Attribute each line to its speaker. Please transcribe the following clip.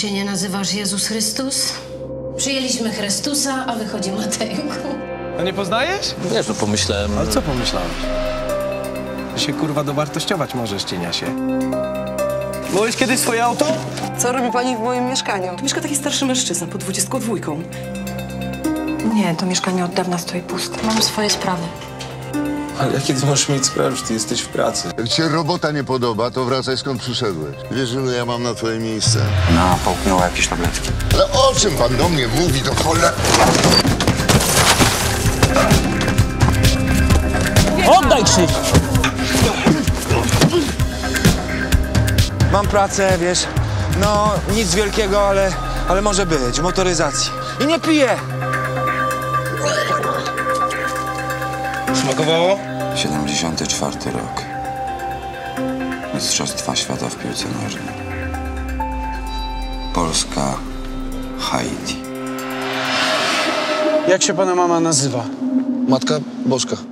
Speaker 1: się nie nazywasz Jezus Chrystus? Przyjęliśmy Chrystusa, a wychodzi Matejku.
Speaker 2: A nie poznajesz?
Speaker 3: Wiesz, no pomyślałem...
Speaker 2: Ale co pomyślałeś? Że się kurwa dowartościować możesz, cieniasie. Byłeś kiedyś swoje auto?
Speaker 4: Co robi pani w moim mieszkaniu?
Speaker 5: Tu mieszka taki starszy mężczyzna pod 22.
Speaker 4: Nie, to mieszkanie od dawna stoi puste.
Speaker 1: Mam swoje sprawy.
Speaker 6: Ale jakie ty możesz mieć sprawy, że ty jesteś w pracy?
Speaker 7: Jak ci się robota nie podoba, to wracaj skąd przyszedłeś. Wiesz, ile ja mam na twoje miejsce?
Speaker 8: No, połknęła jakieś tabletki.
Speaker 7: Ale o czym pan do mnie mówi, to cholera?
Speaker 3: Oddaj Krzyś!
Speaker 9: Mam pracę, wiesz, no nic wielkiego, ale może być, w motoryzacji. I nie piję!
Speaker 2: Smakowało?
Speaker 8: 74 rok. Mistrzostwa świata w piłce nożnej. Polska, Haiti.
Speaker 9: Jak się pana mama nazywa?
Speaker 6: Matka Bożka.